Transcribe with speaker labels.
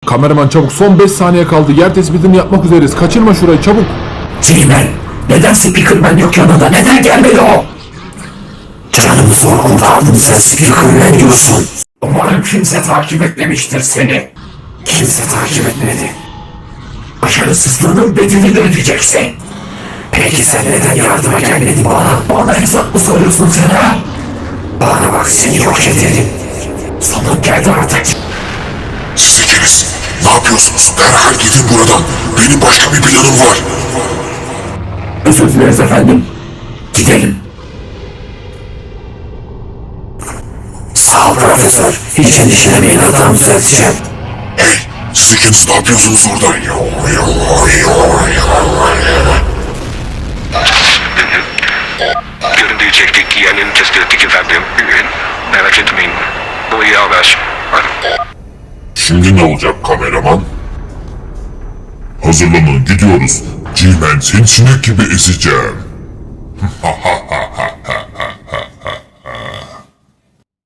Speaker 1: Kameraman çabuk, son 5 saniye kaldı. Yer tespitini yapmak üzereyiz. Kaçırma şurayı çabuk.
Speaker 2: G-Man, neden Speakerman yok yanında? Neden gelmedi o? Canımı zor kurtardın sen Speakerman diyorsun. Umarım kimse takip etmemiştir seni. Kimse takip etmedi. Başarısızlığının bedelini ödeyeceksin. Peki sen neden yardıma gelmedin bana? Bana hesap mı soruyorsun sen ha? Bana bak seni yok ederim. Sonun geldi artık.
Speaker 3: Siz ikiniz ne yapıyorsunuz? Derhal gidin buradan. Benim başka bir planım var.
Speaker 2: Özür dileriz efendim. Gidelim. Sağ ol profesör. Hiç endişelemeyin, hatamı düzelteceğim.
Speaker 3: Hey, siz ikiniz ne yapıyorsunuz orada?
Speaker 4: Görüntüyü çektik, yerini tespit ettik efendim. Merak etmeyin. Bu iyi haber.
Speaker 3: Şimdi ne olacak kameraman? Hazırlanın, gidiyoruz. G-Man seni sinek gibi ezeceğim.